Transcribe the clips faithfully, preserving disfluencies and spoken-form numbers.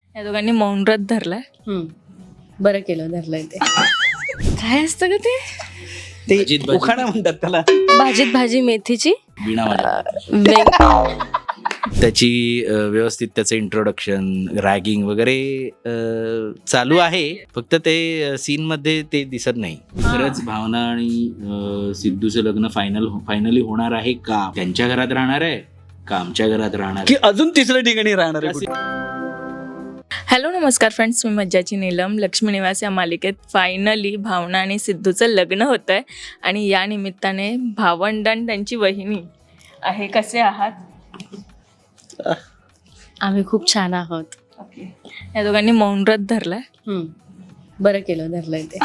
या दोघांनी मौन व्रत धरलाय. हम्म. बरं केलं धरलंय ते. काय असतं का ते? ते उखाणा म्हणतात त्याला. भाजीत भाजी मेथीची. वीणा माझ्या वेंग- त्याची अ, व्यवस्थित त्याचं इंट्रोडक्शन रॅगिंग वगैरे अ, चालू आहे, फक्त ते सीन मध्ये ते दिसत नाही. खरंच भावना आणि अ, सिद्धूचं लग्न फायनल फायनली होणार आहे का? त्यांच्या घरात राहणार आहे का आमच्या घरात राहणार की अजून तिसऱ्या ठिकाणी राहणार आहे कुठे? हॅलो नमस्कार फ्रेंड्स, मी मज्जाची नीलम. लक्ष्मी निवास या मालिकेत फायनली भावना आणि सिद्धूचं लग्न होतं आहे आणि या निमित्ताने भावंड आणि त्यांची वहिनी आहे. कसे आहात? आम्ही खूप छान आहोत. ओके. या दोघांनी मौन व्रत धरलाय. हम्म. बरं केलं धरलंय ते.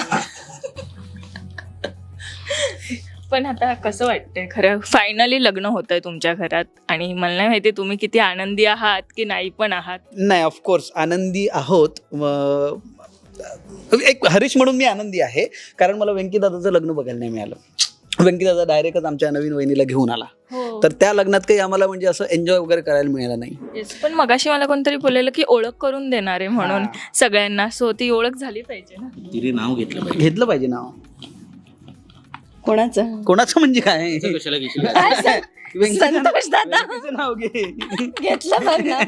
पण आता कसं वाटतंय खरं फायनली लग्न होत आहे तुमच्या घरात आणि मला नाही माहिती तुम्ही किती आनंदी आहात की नाही पण आहात. नाही, ऑफकोर्स आनंदी आहोत. म- एक हरीश म्हणून मी आनंदी आहे, कारण मला व्यंकी दादाचं लग्न बघायला नाही मिळालं. व्यंकी दादा डायरेक्टच आमच्या नवीन वहिनीला घेऊन आला, हो. तर त्या लग्नात काही आम्हाला म्हणजे असं एन्जॉय वगैरे करायला मिळालं नाही. Yes, पण मगाशी मला कोणतरी बोललेलं की ओळख करून देणार आहे म्हणून सगळ्यांना. सो ती ओळख झाली पाहिजे ना. तिने नाव घेतलं पाहिजे. घेतलं पाहिजे नाव. कोणाचं? कोणाचं म्हणजे काय? असं कशाला घेतलं? व्यंकी- संतोष दादा. व्यंकीचं नाव घे. घेतलं बघ ना.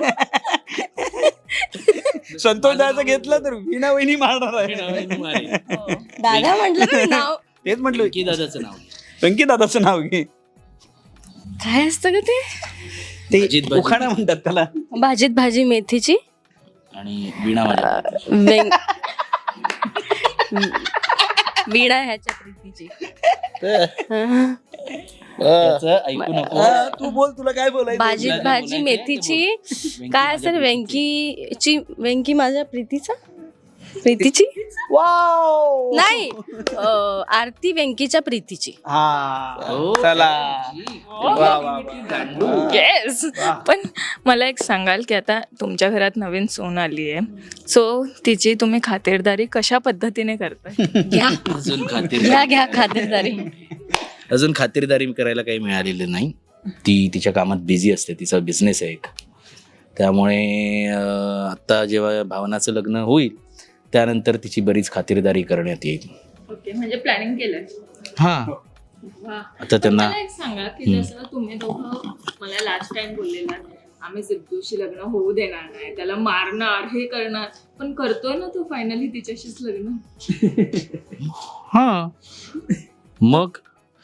संतोष दादाचं घेतलं तर वीणा वहिनी मारणार आहे. हो. दादा म्हटलं ना नाव. तेच म्हटलं, व्यंकी दादाचं नाव घे. व्यंकी दादाचं नाव घे. काय असतं का ते? ते भाजीत भाजी. उखाणा म्हणतात त्याला. भाजीत भाजी मेथीची. आणि वीणा माझ्या वेंग- वीणा ह्याच्या प्रीतीची. त्याचं ऐकू नको. हा, तू बोल, तुला काय बोलायचं? भाजीत बोलायचं भाजी आहे, मेथीची. व्यंकी काय माझ्या असेल व्यंकीची? व्यंकी माझ्या प्रीतीचा. प्रीतीची वाव. नाही, अं, आरती व्यंकीच्या प्रीतीची. हा, हो, चला. त्याची. वा, वा, वा. येस. पण मला एक सांगाल की आता तुमच्या घरात नवीन सून आली आहे, सो तिची तुम्ही खातिरदारी कशा पद्धतीने करताय? घ्या अजून घ्या खातिरदारी घ्या खातिरदारी. अजून खातिरदारी करायला काही मिळालेलं नाही. ती तिच्या कामात बिझी असते, तिचा बिझनेस आहे एक. त्यामुळे अं, आत्ता जेव्हा भावनाचं लग्न होईल त्यानंतर तिची बरीच खातिरदारी करण्यात येईल. ओके, म्हणजे प्लॅनिंग केलंय. हा वा. आता त्यांना मला एक सांगा की जसं तुम्ही दोघं मला लास्ट टाइम बोललेला आम्ही सिद्धूशी लग्न होऊ देणार नाही, त्याला मारणार, हे करणार, पण करतोय ना तो फायनली तिच्याशीच लग्न. हा मग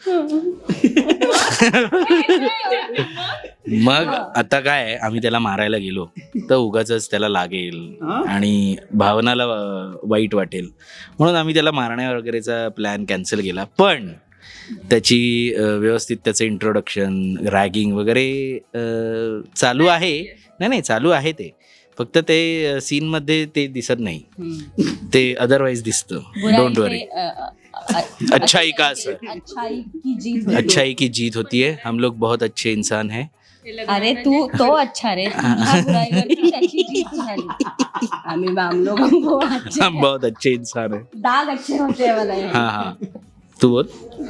मग आता काय, आम्ही त्याला मारायला गेलो तर उगाचच त्याला लागेल आणि भावनाला अं, वाईट वाटेल, म्हणून आम्ही त्याला मारण्या वगैरेचा प्लॅन कॅन्सल केला. पण त्याची अं, व्यवस्थित त्याचं इंट्रोडक्शन रॅगिंग वगैरे अं, चालू आहे. नाही नाही चालू आहे ते, फक्त ते सीन मध्ये ते दिसत नाही, ते अदरवाईज दिसतं. Don't worry. अच्छाई का असर, अच्छाई की जीत होती. अच्छाई की जीत होती है. हम लोग बहुत अच्छे इंसान हैं. अरे तू तो अच्छा रे, तुझ्या बुराईवरती त्याची जीत झाली. आम्ही हम लोग हमको अच्छे हम बहुत अच्छे इंसान हैं. दाग अच्छे होते हैं वाला है. हाँ हाँ तू बोल.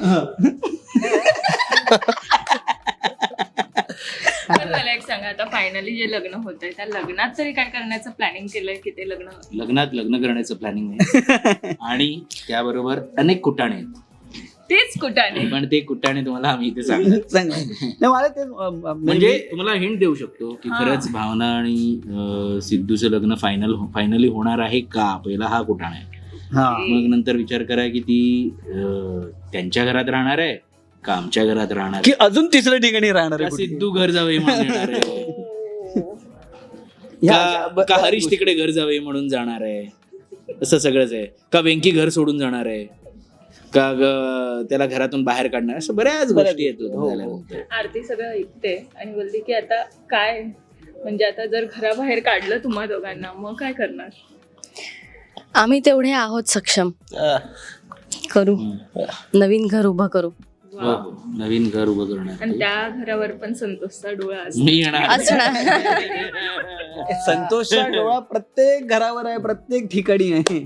पण मला एक सांगा, आता फायनली जे लग्न होतंय त्या लग्नात तरी काय करण्याचं प्लॅनिंग केलंय की ते लग्न? लग्नात लग्न करण्याचं प्लॅनिंग आहे आणि त्याबरोबर अनेक कुटाणे आहेत. तेच कुठाने. पण ते कुटाणे तुम्हाला आम्ही इथे सांगतो. चांगलं. नाही, मला ते अं, म्हणजे तुम्हाला हिंट देऊ शकतो की खरंच भावना आणि अं, सिद्धूचं लग्न फायनल फायनली होणार आहे का? पहिला हा कुटाणा आहे. हा. मग नंतर विचार करा की ती अं, त्यांच्या घरात राहणार आहे का आमच्या घरात राहणार की आहे? अजून तिसऱ्या ठिकाणी राहणार का आहे कुठे? सिद्धू घर जावे म्हणून येणार आहे? ह्या- का ब- का हरीश तिकडे घर जावे म्हणून जाणार आहे? असं सगळंच आहे. का वेंकी घर सोडून जाणार आहे? का ग- त्याला घरातून बाहेर काढणार? असं बऱ्याच गोष्टी हो, येतो हो. झाल्यानंतर. आरती सगळं ऐकते आणि बोलली की आता काय, म्हणजे आता जर घराबाहेर काढलं तुम्हा दोघांना मग काय करणार? आम्ही तेवढे आहोत सक्षम. करू, नवीन घर उभं करू. हो, हो. नवीन घर उभं करणार आणि त्या घरावर पण संतोषचा डोळा असतो. मी येणार. असणार. संतोषचा डोळा प्रत्येक घरावर आहे, प्रत्येक ठिकाणी आहे.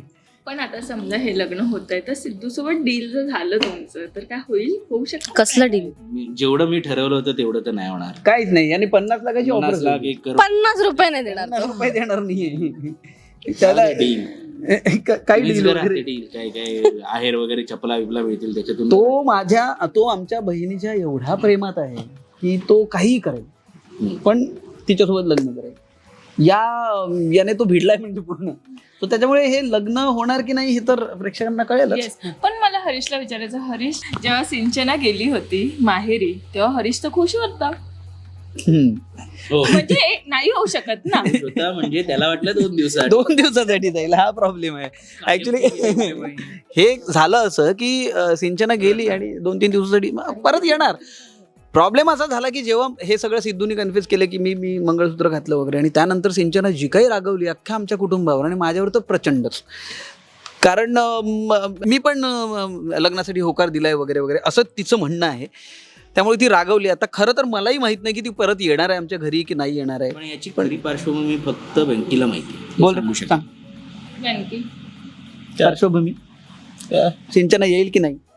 पण आता समजा हे लग्न होत आहे तर सिद्धू सोबत डील जर झालं तुमचं तर काय होईल, होऊ शकतं? कसलं डील? मी- जेवढं मी ठरवलं होतं तेवढं तर नाही होणार. काहीच नाही आणि पन्नास लाखाची पन्नास ऑफर लाख एक करोड पन्नास रुपये नाही देणार पन्नास तो. रुपये देणार नाहीये त्याला डील क- काही डील वगैरे डील काय काय आहेर वगैरे चपला बिपला मिळतील त्याच्यातून. तो माझ्या तो आमच्या बहिणीच्या एवढा प्रेमात आहे की तो काहीही करेल पण तिच्यासोबत लग्न करेल. या याने तो भिडलाय म्हणजे पूर्ण. तो त्याच्यामुळे हे लग्न होणार की नाही हे तर प्रेक्षकांना कळेलच. Yes. पण मला हरीशला विचारायचं, हरीश जेव्हा सिंचना गेली होती माहेरी तेव्हा हरीश तर खुश होता, हम्म. हो. म्हणजे नाही होऊ शकत ना. स्वतः म्हणजे त्याला वाटलं दोन दिवसात दोन दिवसासाठी जाईल हा प्रॉब्लेम आहे ऍक्च्युली. हे झालं असं की अं, सिंचना गेली आणि दोन तीन दिवसासाठी मग परत येणार. प्रॉब्लेम असा झाला की जेव्हा हे सगळं सिद्धूनी कन्फ्युज केलं की मी मी मंगळसूत्र घातलं वगैरे आणि त्यानंतर सिंचना जी काही रागवली अख्ख्या आमच्या कुटुंबावर आणि माझ्यावर तर प्रचंडच. कारण अं, म- मी पण अं, लग्नासाठी होकार दिलाय वगैरे वगैरे असं तिचं म्हणणं आहे. त्यामुळे ती रागवली. आता खरं तर मलाही माहित नाही की ती परत येणार आहे आमच्या घरी की नाही येणार आहे. पण याची खरी पार्श्वभूमी फक्त बँकेला माहिती आहे. ते बोल सांगू रे, शकत सांग. नेमकी पार्श्वभूमी सिंचना येईल की नाही.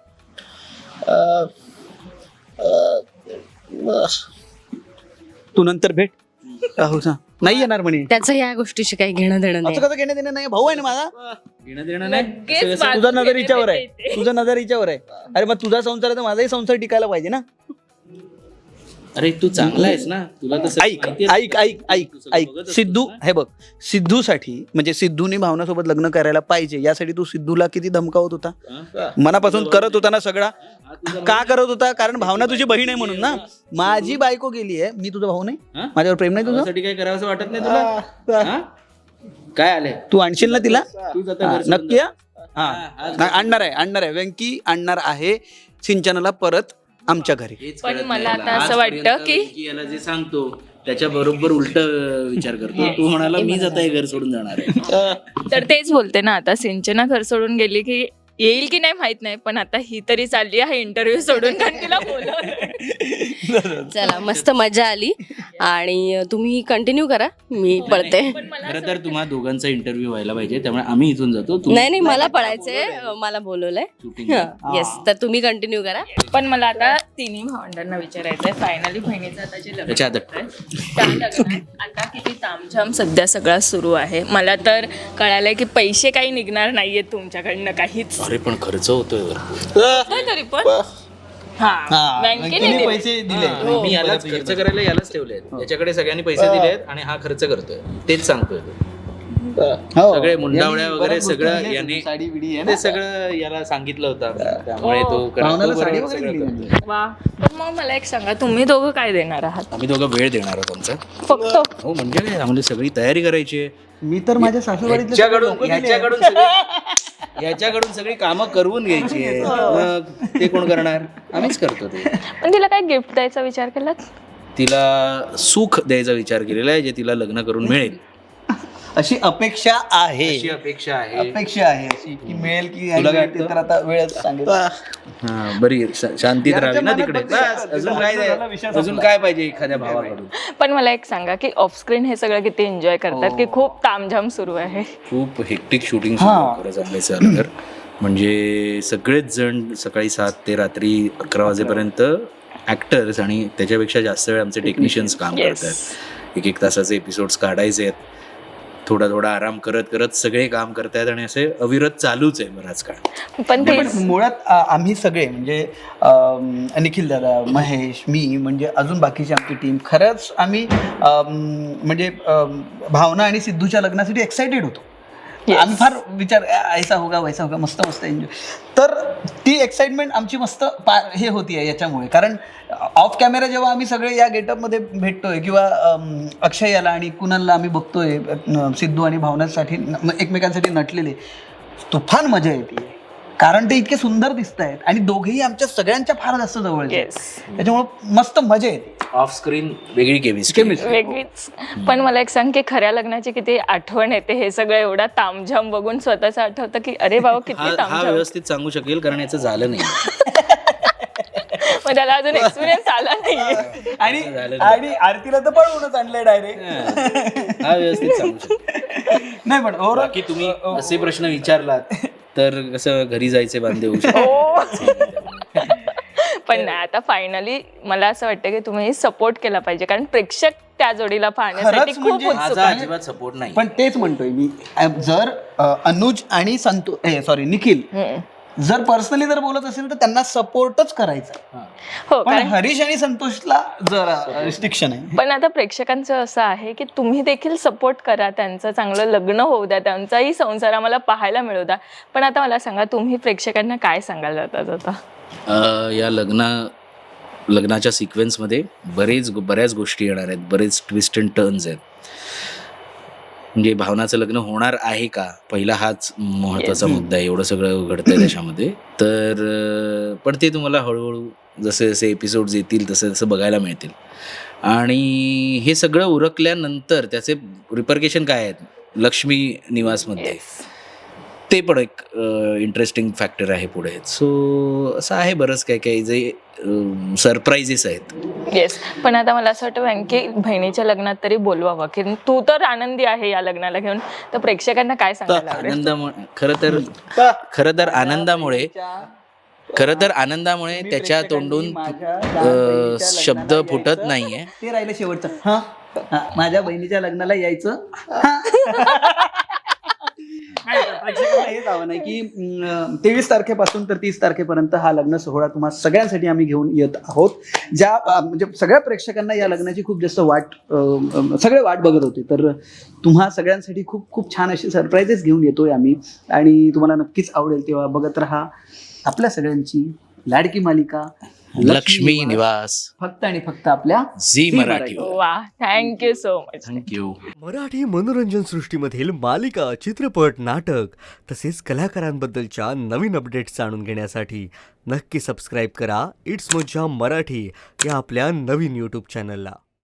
तू नंतर भेट. हो सांग. नाही येणार म्हणे. त्याचं या गोष्टीशी काही घेणं देणं नाही. असं कसं घेणं देणं नाही. भाऊ आहे ना माझा. घेणं देणं नाही. लगेच असं कसं- बाजू तुझा नजर घेणे हिच्यावर आहे. भेटते. तुझा नजर हिच्यावर आहे. अरे मग तुझा संसार आहे तर माझाही संसार टिकायला पाहिजे ना. अरे तू चांगला आहेस ना, तुला तर सगळं ऐक माहिती आहे. ऐक ऐक ऐक तू सगळं ऐक बघत असतोस सिद्धू ना. हे बघ सिद्धूसाठी म्हणजे सिद्धूने भावनासोबत लग्न करायला पाहिजे यासाठी तू सिद्धूला किती धमकावत होता. हा? मनापासून करत होता ना सगळा. हा तुझा का करत होता. कारण भावना तुझी बहीण आहे म्हणून ना. माझी बायको गेली आहे. मी तुझा भाऊ नाही. हा? माझ्यावर प्रेम नाही तुझं. भावासाठी काय करावं असं वाटत नाही तुला? हा? काय आले तू आणशील ना तिला. तू जाता हा, घर सोडून नक्की हा? हा, हा आज नाही, आणणार आहे आणणार आहे व्यंकी आणणार आहे सिंचनाला परत आमच्या घरी. हेच पण कळत मला नाही आता याला. असं वाटतं आजपर्यंत की- विकी याला जे सांगतो त्याच्या बरोबर उलट विचार करतो. तू म्हणाला मी जाता हे घर सोडून जाणार आहे. तर तेच बोलते ना, आता सिंचना घर सोडून गेली की येईल की नाही माहित नाही, पण आता ही तरी चालली आहे इंटरव्ह्यू सोडून कारण तिला बोलवलंय. चला मस्त मजा आली आणि तुम्ही कंटिन्यू करा, मी पळते. पण मला खरं तर तुम्हा दोघांचा इंटरव्ह्यू व्हायला पाहिजे, त्यामुळे आम्ही इथून जातो. तू नाही नाही मला पळायचंय, मला बोलवलंय. shooting. येस, तर तुम्ही कंटिन्यू करा. पण मला आता तिन्ही भावंडांना विचारायचंय, फायनली बहिणीचं आता जे लग्न त्याच्या आधी. होतंय, त्या लग्नात आता किती तामझाम सध्या सगळा सुरू आहे. मला तर कळालंय की पैसे काही निघणार नाहीयेत तुमच्याकडनं काहीच. अरे पण खर्च होतोय होतंय तरी पण हा बँकेने व्यंकीने दिले. पैसे दिले. हो. मी यालाच खर्च करायला यालाच ठेवले. याच्याकडे सगळ्यांनी पैसे दिलेत आणि हा खर्च करतोय, तेच सांगतोय तो. हो. सगळे मुंडावळ्या यांनी वगैरे बऱ्याच गोष्टी सगळं दिल्या. याने साडी बिडी आहे ना. ते सगळं याला सांगितलं होतं, त्यामुळे तो करा- भावनाला तो साडी बरोबर वगैरे सगळं दिली. करतोय. वा. पण मग मला एक सांगा, तुम्ही दोघं काय देणार आहात आम्ही दोघं वेळ देणार आहोत आमचा. फक्त? हो म्हणजे काय, आम्हाला सगळी तयारी करायची आहे. मी तर माझ्या सासूबाईतले सगळे ह्याच्याकडून लोकं दिले. ह्याच्याकडून सगळी ह्याच्याकडून सगळी कामं करवून घ्यायची आहे. मग ते कोण करणार? आम्हीच करतो ते. पण तिला काय गिफ्ट द्यायचा विचार केलात? तिला सुख द्यायचा विचार केलेला आहे, जे तिला लग्न करून मिळेल अशी अपेक्षा आहे. अशी अपेक्षा आहे. अपेक्षा आहे अशी की मिळेल की तुला काय नाही ते तर आता वेळच सांगेल. हा बरी श- शांतीत राहावी ना तिकडे. बस, अजून काय द्या- अजून काय पाहिजे एखाद्या भावाकडून. पण मला एक सांगा की ऑफस्क्रीन हे सगळं किती एन्जॉय करतात की खूप तामझाम सुरू आहे? खूप हेक्टिक शूटिंग हा. खरंच आपल्याचं आलं तर. म्हणजे सगळेच जण सकाळी सात ते रात्री अकरा वाजेपर्यंत ऍक्टर्स आणि त्याच्यापेक्षा जास्त वेळ आमचे टेक्निशियन्स काम Yes. करतात. एक एक तासाचे एपिसोड्स काढायचे आहेत. थोडा थोडा आराम करत करत सगळे काम करतायत आणि असे अविरत चालूच आहे बराच काळ. पण ते पण मुळात आ- आम्ही सगळे म्हणजे अम, निखिल दादा, महेश, मी म्हणजे अजून बाकीची आमची टीम खरंच आम्ही अम, म्हणजे अम, भावना आणि सिद्धूच्या लग्नासाठी एक्सायटेड होतो. आम्ही फार विचार ऐसा होगा वैसा होगा मस्त मस्त एन्जॉय. तर ती एक्साइटमेंट आमची मस्त पा हे होती आहे याच्यामुळे. कारण ऑफ कॅमेरा जेव्हा आम्ही सगळे या गेटअपमध्ये भेटतोय किंवा अम, अक्षय याला आणि कुणालला आम्ही बघतोय न- सिद्धू आणि भावनासाठी न- एकमेकांसाठी नटलेले, तुफान मजा येते. कारण ते इतके सुंदर दिसत आहेत आणि दोघेही आमच्या सगळ्यांच्या फार जास्त जवळचे आहेत. Yes. त्याच्यामुळे मस्त मजा येते. ऑफ स्क्रीन वेगळी केमिस्ट्री. वेगळीच. पण मला एक सांग की खऱ्या लग्नाची किती आठवण येते, हे सगळं एवढा तामझाम बघून स्वतःच आठवतं की अरे बाबा हा किती हा तामझाम. व्यवस्थित सांगू शकेल कारण याचं झालं नाही. मग त्याला अजून एक्सपिरियन्स आला नाहीये. आणि आणि आरतीला तर पळवूनच आणलंय डायरेक्ट. हा व्यवस्थित सांगू शकतो. नाही पण ओव्हरऑल बाकी तुम्ही असे प्रश्न विचारलात तर कसं घरी जायचे बांधे होऊ शकतो. हो. पण नाही, आता फायनली मला असं वाटतं की तुम्ही सपोर्ट केला पाहिजे, कारण प्रेक्षक त्या जोडीला पाहण्यासाठी खरंच खूप म्हणजे उत्सुक माझा आहे. अजिबात सपोर्ट नाही. पण तेच म्हणतोय मी, अ, जर अ, अनुज आणि संतो सॉरी निखिल हम्म. जर पर्सनली जर बोलत असेल तर त्यांना सपोर्टच करायचा. हो, पण कारण हरीश आणि संतोषला जरा रिस्ट्रिक्शन आहे. पण आता प्रेक्षकांचं असं आहे की तुम्ही देखील सपोर्ट करा, त्यांचं चांगलं लग्न होऊ द्या, त्यांचाही संसार आम्हाला पाहायला मिळू द्या. पण आता मला सांगा, तुम्ही प्रेक्षकांना काय सांगायला जातात आता? अ, या लग्ना लग्नाच्या सिक्वेन्समध्ये बरेच बऱ्याच गोष्टी येणार आहेत, बरेच ट्विस्ट अँड टर्न्स आहेत. म्हणजे भावनाचं लग्न होणार आहे का, पहिला हाच महत्त्वाचा मुद्दा आहे. एवढं सगळं घडतंय त्याच्यामध्ये. तर अ, पण ते तुम्हाला हळूहळू जसे जसे एपिसोड्स येतील तसे तसं बघायला मिळतील. आणि हे सगळं उरकल्यानंतर त्याचे रिपरकेशन काय आहेत लक्ष्मी निवासमध्ये, ते पण एक इंटरेस्टिंग फॅक्टर आहे पुढे. सो असं आहे बरंच काही काही जे सरप्राईजेस आहेत. येस. पण आता मला असं वाटतं व्यंकी बहिणीच्या लग्नात तरी बोलवावं, की तू तर आनंदी आहे या लग्नाला घेऊन, तर प्रेक्षकांना काय तर सांगायला आवडेल? आनंदामुळे खरं तर खरं तर आनंदामुळे खरं तर आनंदामुळे त्याच्या तोंडून अ, शब्द फुटत नाहीये. ते राहिलं शेवटचं. हा हा, माझ्या बहिणीच्या लग्नाला यायचं. प्रेक्षकांना हेच आव्हान आहे की तेवीस तारखेपासून तर तीस तारखेपर्यंत हा लग्न सोहळा तुम्हा सगळ्यांसाठी आम्ही घेऊन येत आहोत. ज्या अं, म्हणजे सगळ्या प्रेक्षकांना या लग्नाची खूप जास्त वाट अं, सगळे वाट बघत होते. तर तुम्हा सगळ्यांसाठी खूप खूप छान अशी सरप्राईजेस घेऊन येतोय आम्ही, आणि तुम्हाला नक्कीच आवडेल. तेव्हा बघत राहा आपल्या सगळ्यांची लाडकी मालिका लक्ष्मी निवास, फक्त आणि फक्त आपल्या झी मराठी. वा, thank you so much. Thank you. Marathi मनोरंजन सृष्टीमधील मालिका, चित्रपट, नाटक तसेच कलाकारांबद्दलच्या नवीन अपडेट्स जाणून घेण्यासाठी नक्की सबस्क्राईब करा इट्स मज्जा मराठी या आपल्या नवीन यूट्यूब चॅनलला.